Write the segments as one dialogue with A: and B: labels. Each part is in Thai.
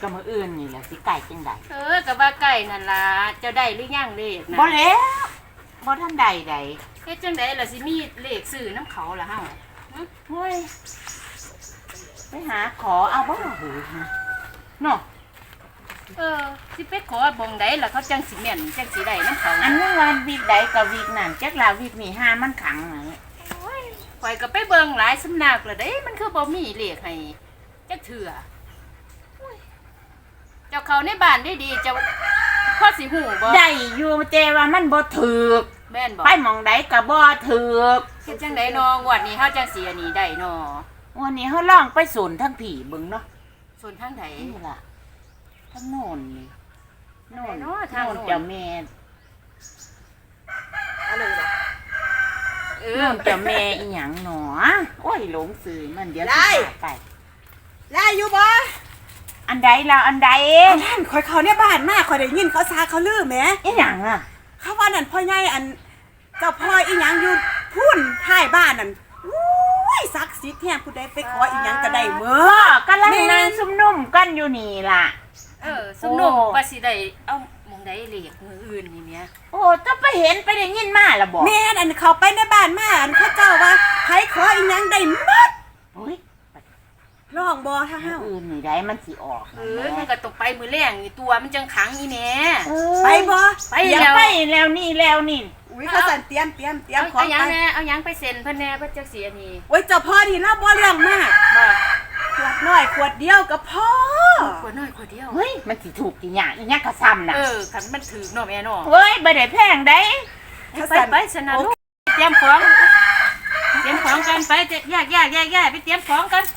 A: กับมืออื่นนี่แหละสิไก่จังใด
B: กับว่าไก่นั่นล่ะเจ้าได้หรือยังเลขนะ
A: บ่แล้วบ่ท่านใด
B: เฮ็ดจังไดล่ะสิมีเลขซื้อน้ำเขาล่ะเฮา
A: เฮ้ยไปหาขอเอาบ่หูเนาะ
B: สิไปขอบ่งใดล่ะเขาจังสิแม่นจังสิได้น้ำเขา
A: อันนี้วันวีกใดกับวีกนั่นจักลาวีกนี่ห้ามันขังไหน
B: ข่อยก็ไปเบิ่งหลายสำนักแล้วเด้มันคือบ่มีเลขให้จักเถื่อเจ้าเขาในบ้านได้ดีเจ้าพ่อสิหูบ่
A: ได้อยู่เจว่ามันบ่ถูก
B: แม่นบ่
A: ไปหม่องใดก็บ่ถูก
B: เฮ็ดจังได๋น้องวดนี้เฮาจังสิอันนี้ได้น้อ
A: วันนี้เฮาลองไปศูนย์ทั้งผีเบิ่งเนาะ
B: ศูนย์ทางใด
A: นี่ล่ะทั้งโน่นนี่โน่น
B: ทางโน่น
A: เจ้าแม่
B: อะไรล่ะ
A: โน่นเจ้าแม่อีหยังหนอโอ้ยหลงสื่อมันเดี๋ยวสิไป
C: ได้อยู่บ่
A: อันใดแล้วอันใด
C: ท่านคอยเขาเนี่ยบ้านมากคอยได้ยินเขาซาเขาลือแหม
A: อีหยังอ่ะ
C: เขาว่านั่นพ่อใหญ่อันเจ้าพ่ออีหยังอยู่พุ่นท้ายบ้านนั่นอุ้ยศักดิ์สิทธิ์แท้ผู้ใดไปขออีหยังก็ได้เมื่
A: อกำลังนั่งซุ่มนุ่มกันอยู่นี่ล่ะ
B: ซุ่มนุ่มว่าสิได้เอามองได้เลขมืออื่นนี่แม่
A: โอ้จะไปเห็นไปได้ยินมาล่ะบ่
C: แม่อันเขาไปในบ้านมาอันเขาเจ้าว่าไผขออีหยังได้หมด
A: โอ้ย
C: ร้องบ่ถ้าเฮา
A: อื่นนี่ได้มันสิออก
B: มันก็ตกไปมือแรงนี่ตัวมันจังขังอีแม่
C: ไปบ่
A: ไปแล้วนี่
C: อุ้ยเขาสั่นเตรียม
B: ของเอาหยังแน่เอาหยังไปเซ็นเพิ่นแน่เพิ่นจักสิอันนี้
C: โอ้ยเจ้าพ่อนี่เราบ่เรื่องมาก
B: บ่
C: ขวดน้อยขวดเดียวก็พอ
B: ขวดน้อยขวดเดียว
A: เฮ้ยมันสิถูกกี่หยังอีหยังก็ซ้ำน่ะ
B: คันมันถูกเนาะแม่เนาะ
A: เฮ้ยบ่ได้แพงได้
B: ไปสนะลูกเตรียมของกันไปแยกไปเตรียมของกัน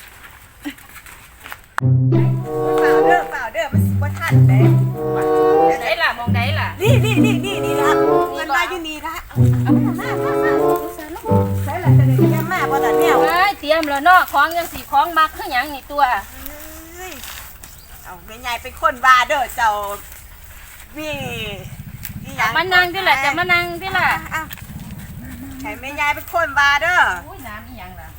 C: เปล่าเด้อมันสิบ่ทันเด้
B: ไหนล่ะมองไหนล่ะ
C: นี่ละมันมาอยู่นี่ละเอามาใส่ละจะได้เตรียมมาบ่ล่ะแนว
B: เตรียมแล้วเนาะของยังสิของมักคือหยังนี่ตัว
C: เอาแม่ใหญ่เป็นคนว่าเด้อเจ้านี่อีหยัง
B: มานั่งดิล่ะจะมานั่งดิล่ะ
C: ให้แม่ใหญ่เป็นคนว่าเด้อ
B: อุ้ยน้ำอีหยังล่ะ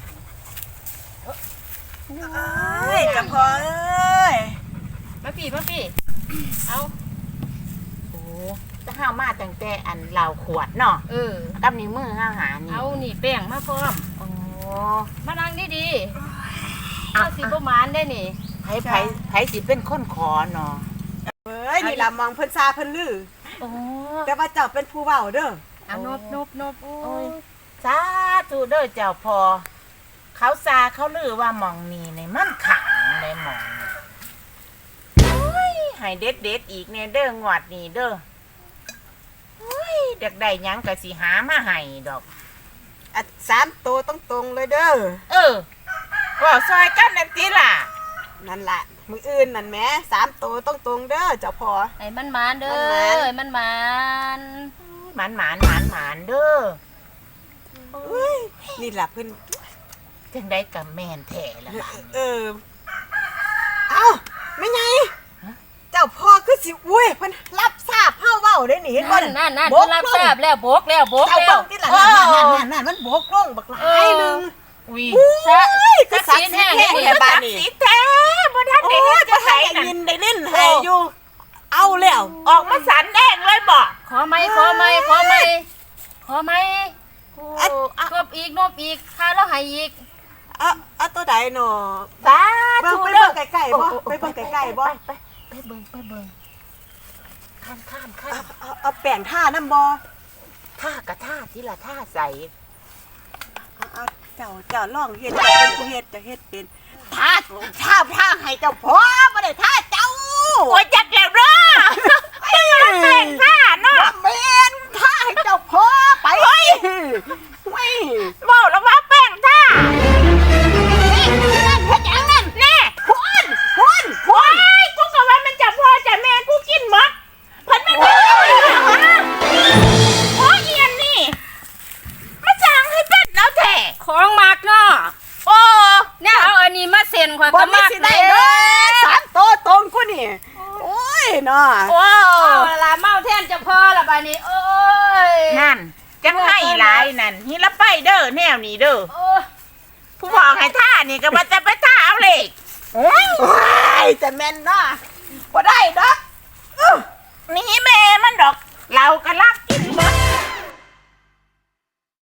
C: เอ้ยจะพอเอ้ย
B: มาพี่เอา
A: โอ้จะห้าวมาตั้งแต่อันเหล่าขวดเนาะกับนิ้วมือห้าวหานี่
B: เอานี่แป้งมาพร้อม
A: โอ้
B: มานั่งดีเอาสิบ่มานได้นี่
A: ไผสิเป็นคนขอเนาะ
C: เอ้ยนี่ล่ะมองเพิ่นซาเพิ่นลือแต่ว่าเจ้าเป็นผู้เว้าเด้อ
B: เอานบ
A: โอ้ยสาธุเด้อเจ้าพอเขาซาเขาลือว่าหม่องนี่ในมันขังในหม่องให้เด็ดอีกเนี่ยเด้องวดนี่เด้อเด็กได้ยังก็สิหามาให้ดอก
C: 3ตัวตรงเลยเด้อ
A: ว่าซอยกันนั่นติล่ะ
C: นั่นล่ะมื้ออื่นนั่นแหม3ตัวตรงเด้อเจ้าพ่อ
B: ไอ้มันเด้อมันหม
A: านเด้อ
C: นี่ล่ะเพิ่น
A: จังได้กับแม่นแท้ล่ะ
C: เอ้าแม่ใหญ่เจ้าพ่อคือสิอุ้ยเพิ่นรับทราบเฮาเว้าได้นี่เห็นบ่
B: นั่นเพิ่นรับทราบแล้วบกแล้ว
C: เจ้าเบิ่งติล่ะนั่นมันบกลงบักหลายนึง
A: อุ้ย
C: ก็สักสิแท้แท้บ้านนี่
A: สิแท้บ่ทันได้เฮ็ดจังได๋
C: ได้ยินได้เล่นให้อยู่เอาแล้ว
A: ออกมาสันแดงเลยบ่
B: ขอไหมครบอีกค่าแล้วให้อีก
C: ตัวใดเนาะ
A: สาธุ
C: เด้อใกล้ๆบ่ไปเบิ่งใกล้ๆบ่
A: ไปเบิ่งข้าม
C: เอาแป้งท่านำบ่
A: ท่ากะท่าสิล่ะท่าใส่
C: เอาเจ้าลองเฮ็ดเป็นผู้เฮ็ดจะเฮ็ดเป็นท่าให้เจ้าพ่อบ่ได้ท่าเจ้า
A: โอ้ยจักแล้วเด้อแป้งท่าเนาะ
C: แม่นท่าให้เจ้าพ่อไปเฮ้ย
A: เว้าแล้วว่าแป้งท่า
C: เฮ็ดหยังนั่น
A: แน่พุ่นกูก็ว่ามันจะพ่อจะแม่กูกินหมดเพิ่นไม่ได้โอ้ยเอียนนี่มาสั่งให้เป็นเอาแท้
B: ของมักเนาะเนี่ยเอาอันนี้มาเซ็นข่อยก็มัก
C: ได้เด้อ3ตัวตรงกูนี่โอ้ยเนาะ
B: ล่ะเมาแทนจะพอละบัดนี้โอ้ย
A: นั่นจังให้หลายนั่นฮิละไปเด้อแนวนี้เด้อผู้บอกให้ท่านี่ก็ว่าจะไปท่าเอาเลขแต่แม่นเนาะบ่ได้ดอก